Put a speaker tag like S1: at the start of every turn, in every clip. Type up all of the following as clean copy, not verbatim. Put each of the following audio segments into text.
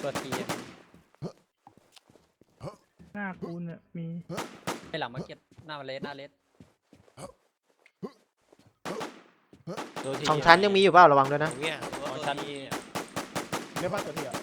S1: ตัวที
S2: หน้ากูเนี่ยมี
S1: ไปหลังมาร์เก็ตหน้าเลสหน้าเลส
S3: สองชั้นยังมีอยู่เปล่าระวังด้วยนะ
S4: เนี่ย
S1: สองชั้น
S5: เรียกว่าตัวเดียว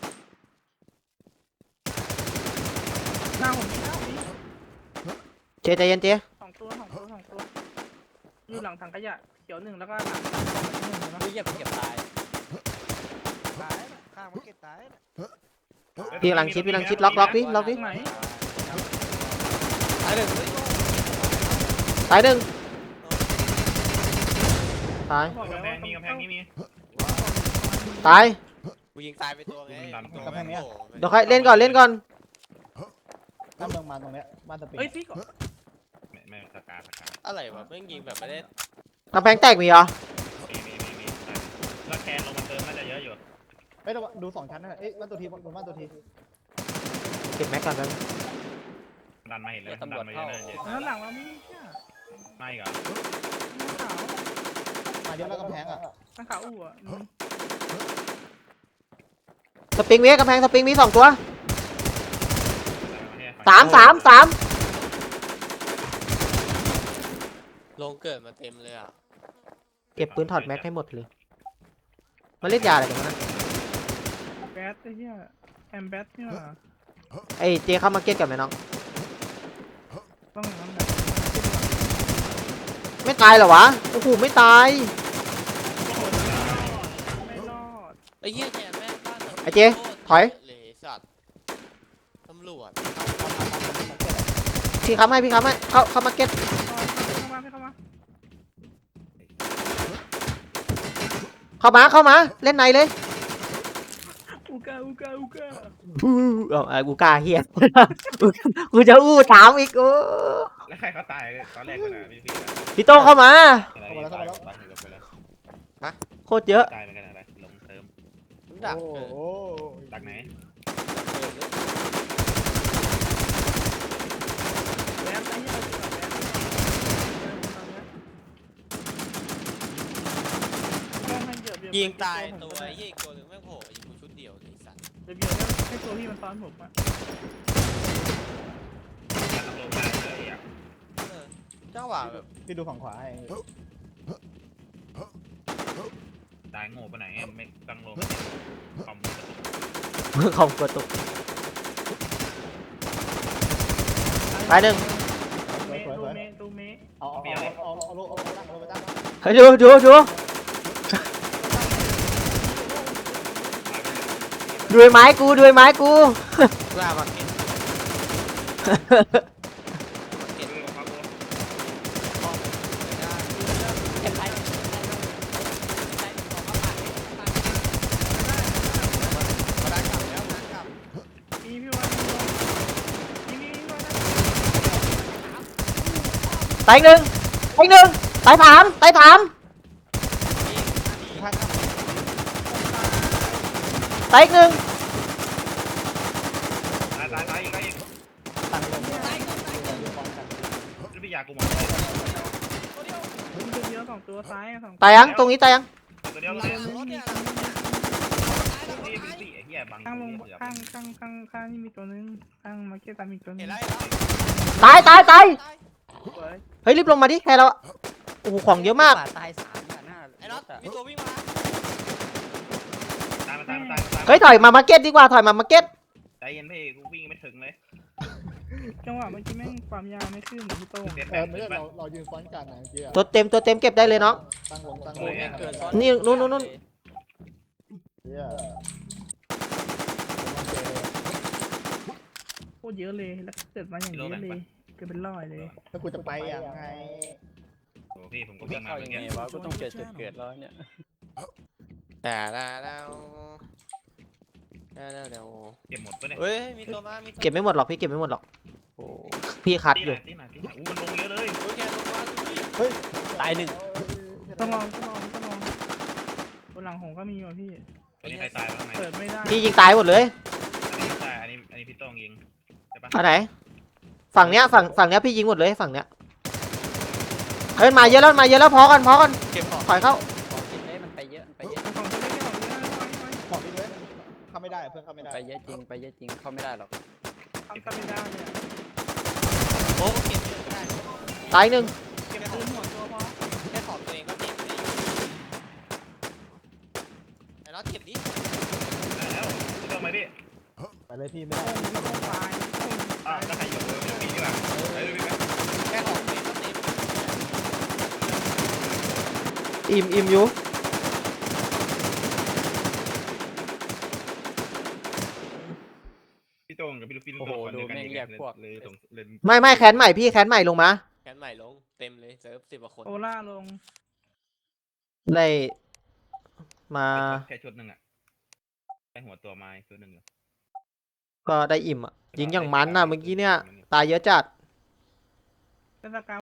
S2: หน้าผมมีหน้าผมมี
S3: เจใจเย็นเจ
S2: สองตัวอยู่หลังถังขยะเขียวหนึ่งแล้วก็หลังถังหนึ่งนะ
S1: ไม่เก็บเก็บตาย
S5: ตายนะข้างมันเก็ตตายนะ
S3: พี่กำลังคิดล็อกดิ
S2: ตรงไหน
S4: ตายหนึ่ง
S3: ตายหนึ่งตาย
S2: บอกแล้วว่า
S6: มีกำแพงนี้มี
S3: ตาย
S4: กูยิงตายไปตัวไง
S3: เดี๋ยวใครเล่นก่อน
S5: ถ้าเมืองมาตรงเนี้ยบ้านตะปิง
S2: เอ้ยพี่ก่อน
S6: ไม่สกา
S4: อะไรวะแม่งยิงแบบไม่ได้
S3: กำแพงแตกมีเหรอ
S6: มีแล้วแคนลงมาเติมน่าจะเยอะอยู่
S5: เฮ้ยดู2 ชั้นนั่นแหละเอ้ยบ้านตัวทีบนบ้านตัวที
S3: เก็บแม็กก่อนแล้ว
S6: ดันมาเห็นเลยดันมาเยอะเลย
S2: แล้วหลังเรามีเนี่ย
S6: ไม่เหรอ
S2: หน้าขาว
S5: มาเยอะแล้วกำแพงอ่ะ
S2: หน้าขาวอู่อ่ะ
S3: สปริงมีกำแพงสปริงมี2 ตัวสาม
S4: ลงเกิดมาเต็มเลยอ่ะ
S3: เก็บปืนถอดแม็กให้หมดเลยมาเล่นยาอะไรกันนะ
S2: แบทไอ้เหี้ยแอมแบทเนี่ย
S3: ไอ้เจเข้ามาเก็ตกันไหมน้อง
S2: ต้องอย่างนั้นแหละ
S3: ไม่ตายเหรอวะโอ้โหไม่ตาย
S2: ไม่รอด
S4: ไอ้เหี้ยแกแม่งบ้าน
S3: ไอ้เจถอย
S4: เลยสัตว์ตำรวจ
S3: พี่ค้ำให้เข้ามาเก็ต
S2: เข้ามา
S3: เข้ามาเล่นในเลย
S2: อูกา
S3: กูกล้าเฮีย กูจะอู้ถามอีกโอ้
S6: แล้วใครเขาตายตอนแรกก็นะพี่
S3: พี่โต้เข้ามา
S6: ตาย
S3: โคตรเยอะ
S6: ตายไปกันอะไรลงเติม
S4: ดัก
S5: โอ้
S4: เกิด
S5: โห
S6: จากไหน
S2: แบทไอ้เหี้ย
S4: ยิงตายตัวไอ้เหี้ยอีกตัวหนึ่งแม่งโผล่ยิงกูชุดเดียวเลยสัตว์
S2: เดี๋ยวให้ตัวพี่มันซ้อนผมอ่ะ
S6: ลงได้เลยอ่ะ
S4: เจ้าหวะแบบ
S5: พี่ดูฝั่งขวาให้
S6: ตายโง่ไปไหนไม่ตั้งลงคอม
S3: ของกระตุกตายหนึ่ง
S2: ดูเม
S5: เอาโลไปตั้ง
S3: เฮ้ยดูด้วยไม้กู
S4: กล้ามาเก็ต
S6: เก็บของเขา
S1: เก็บไป
S4: มาได้กลับแล้วนะกลับ
S2: มีพี่วันมีวัน
S3: ตายหนึ่งตายสาม
S5: ข้าง
S3: ตายอีกหนึ่ง
S6: ตายอีก
S5: ตั้งลงเนี่ย
S6: พี่ยากูหมด
S2: ดูเยอะสองตัวซ้ายสอง
S3: ตายยังตรงนี้ตายยัง
S6: ตัวเดียว
S4: รถเนี่ย
S6: นี่เป็นสี่ไอ้เหี้ยบัง
S2: ข้างลงข้างนี่มีตัวนึงข้างมาเก็ตตามอีกตัวนึ
S4: เห็น
S2: ง
S4: แล้ว
S3: ตาย
S2: สวย
S3: เฮ้ยรีบลงมาดิแค่เราโอ้โหของเยอะมาก
S1: ตาย3อ่ะหน้า
S4: ไอ้น็อตมีตัววิ่งมา
S6: ตาย
S3: เฮ้ยถอยมามาร์เก็ตดีกว่าถอยมามาร์เก็ต
S6: ใจเย็นพี่กูวิ่งไม่ถึงเลย
S2: จังหวะเมื่อกี้แม่งความยาวไม่ขึ้นพี่โต้ง
S6: เสีย
S5: เอ
S6: แบ
S5: อบ ไม่ใช่เรายืนซ้อนกันนะเมื่อกี้อะ
S3: ตัวเต็มเก็บได้เลยน้อง
S5: ตั้งลง
S4: โอ้ยแม่งเกิดซ้อน
S3: นี่นู่น
S5: เหี้ย
S2: โคตรเยอะเลยแล้วเกิดมาอย่างนี้เลยเกิดเป็นร้อยเลย
S5: แล้วกูจะไปยังไง
S6: โอ้พี่ผมก็
S1: วิ่
S6: วิ่
S1: ง
S6: งมา
S1: เข้า
S6: เหมื
S1: ยั
S6: อน
S1: งไง
S6: กัน
S1: วะกูต้องเกิดแล้วเนี่ย
S4: แต่แล้ว
S6: เก็บหมดปะเนี่ย
S4: เฮ้ยมีตัวมามี
S3: เก็บไม่หมดหรอกพี่เก็บไม่หมดหรอกโอ้พี่คัดอยู่
S6: ที่ไหนอู้มันลงเยอะเลย
S4: โอ้ยแกลงมาดิ
S5: เฮ้ย
S1: ตายหนึ่ง
S2: ต้องลองบนหลังผมก็มีว่ะพี่
S6: อันนี้ใครตายบ้างไหม
S2: เปิดไม่ได้
S3: พี่ยิงตายหมดเลย
S6: อันนี้ตายอันนี้พี่ต้องยิงใช่ปะ
S3: อันไหนฝั่งเนี้ยพี่ยิงหมดเลยฝั่งเนี้ยเฮ้ยมาเยอะแล้วพอกัน
S4: เก็บของ
S3: ถอยเข้า
S1: ของกินได้มันไปเยอะ
S2: ของตัวเล็กของเยอะ
S5: ของพี่เว้ย
S2: ข
S5: เข้าไม่ได้เพื่อนเข้าไม่ได้
S1: ไปเยอะจริงไปเยอะจริงเข้าไม่ได้หรอก
S2: ทำกันไม่ได้เนี่ย
S4: โอ้ก็เก็บเยอะไม่ได้
S3: ตายหนึ่ง
S4: เก็บ
S2: ปื
S4: ของ
S2: นหัวตัวพอ
S4: แค่ของตัวเองก็เก็บเลยไอ้น็อตเก็บดิ
S6: ได้แล้วไม่ต้องมาดิ
S5: ไปเลยพี่ไม่ได้
S2: ไม่ต้องตาย
S6: อ่ะถ้าใครอยู่เดี๋ยวปีดีกว่าไปเลยพี่
S4: แค่ของตัวเองก็เต็ม
S3: อิ่มอยู่
S6: พี่โต้งกับพี่ลูกพี่ตัวคนเดียวกันเลยตรงเล่น
S3: ไม่แคนใหม่พี่แคนใหม่ลงมา
S4: แคนใหม่ลงเต็มเลยเซิร์ฟ10 กว่าคน
S2: โอล่าลง
S3: ได้มา
S6: แค่ชุดหนึ่งอ่ะได้หัวตัวมาชุดหนึ่ง
S3: ก็ได้อิ่มอ่ะยิงอย่างมันน่ะเมื่อกี้เนี่ยตายเยอะจัด
S2: เทศกาล